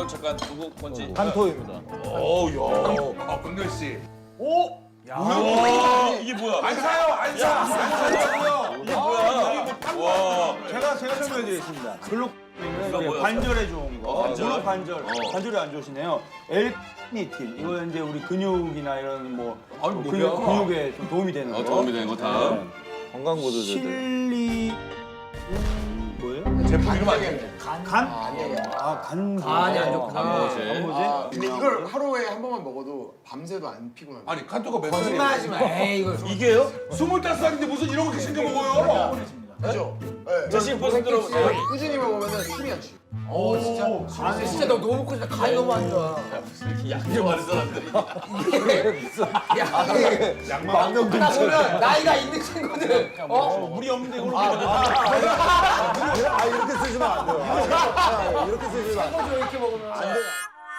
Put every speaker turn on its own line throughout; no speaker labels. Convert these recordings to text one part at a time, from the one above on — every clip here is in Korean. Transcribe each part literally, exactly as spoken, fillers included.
이거 잠깐 누구 건지.
한토입니다.
어우, 야. 아, 금렬 씨. 오? 야.
와, 이게 뭐야?
안 사요, 안 사. 안 사요.
이게 뭐야? 와.
제가 제가 설명해드리겠습니다. 글록
이거
이제
뭐야?
관절에 좋은 거.
관절?
무릎 관절.
어.
관절이 안 좋으시네요. 엘니틴. 이거 이제 우리 근육이나 이런 뭐
아니,
뭐
뭐야?
근육, 근육에 좀 도움이 되는 거.
어, 도움이 되는 거 다음.
건강보조제들.
실리 음, 뭐예요?
제품 이름 아니에요?
간? 아, 간.
간이 안 좋구나.
간보제.
간보제?
아, 근데 이걸 하루에 한 번만 먹어도 밤새도 안 피곤합니다.
아니, 칸토가 몇
거짓말하지
살이에요?
마. 에이 이거
이게요?
스물다섯 살인데 무슨 이런 거 챙겨 먹어요?
그죠? 네.
자, 지금 벌써 들어보세요.
꾸준히 먹으면 술이 안 취해요.
오 진짜. 아 근데 진짜 너 너무 커진다. 간이 너무 안 좋아.
약좀 하는 사람들이.
망명
나 보면 나이가 있는 친구들. 어?
물이 없는데 이걸로.
아 이렇게 쓰시면 안 돼요. 아, 이렇게 쓰시면 안 돼요.
이거 이렇게 먹으면 안 돼.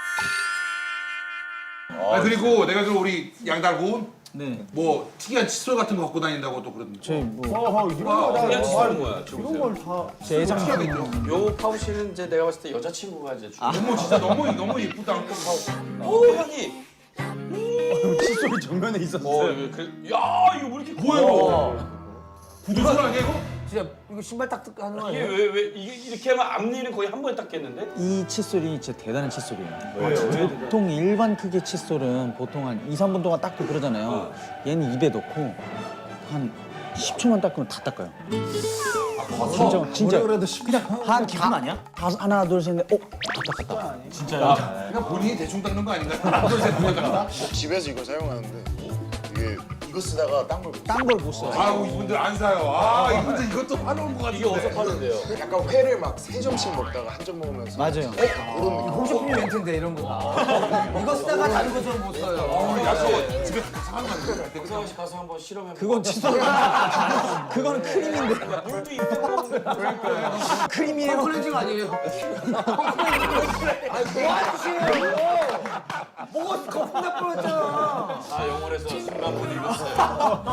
아, 그리고 내가 그 우리 양달군
네.
뭐 특이한 칫솔 같은 거 갖고 다닌다고 또 그러던데.
저희 뭐
어, 이런 거 다.
그냥 치는 거야.
이런 걸 다 제 애장품.
요 파우치는 이제 내가 봤을 때 여자친구가 이제 주.
너무 진짜 너무 너무 이쁘다.
오 향이.
칫솔이 정면에 있었어요.
어 이거 그. 야 이거 왜 이렇게
뭐야 이거? 구두솔 아니야 이거?
진짜 이거 신발 딱 뜯고 하는 거
이게
아니야?
왜 왜 이게 이렇게 하면 앞니는 거의 한 번에 닦겠는데?
이 칫솔이 진짜 대단한 칫솔이에요. 보통 일반 크기 칫솔은 보통 한 이, 삼 분 동안 닦고 그러잖아요. 얘는 입에 넣고 한 십 초만 닦으면 다 닦아요. 진짜 진짜
그래도 그냥
한 기분 아니야? 다섯 하나 둘 셋 넷, 어? 다 닦았다.
그냥 본인이 대충 닦는 거 아닌가? 하나 둘셋 닦는다.
집에서 이거 사용하는데 이게 이거 쓰다가 딴걸
딴 걸 못 써.
아우 이분들 안 사요. 아 이분들 이것도 파는 거 같은데.
이게 어디서 파는데요?
약간 회를 막 세 점씩 먹다가 한 점 먹으면서
맞아요.
그런 느낌.
홈쇼핑 멘트인데 이런 거. 이거 쓰다가 다른 것처럼 못 써요.
어, 야서 집에 사는 거 같은데.
백상원 씨 가서 한번 실험해.
그건 칫솔. 그거는 크림인데.
물도 있고.
크림이에요.
홈클렌징 아니에요? 홈클렌징. 아니 뭐 하는 짓이에요? 뭐가 거품 나 뿌렸잖아.
아 영월에서 순간 못 읽었어요.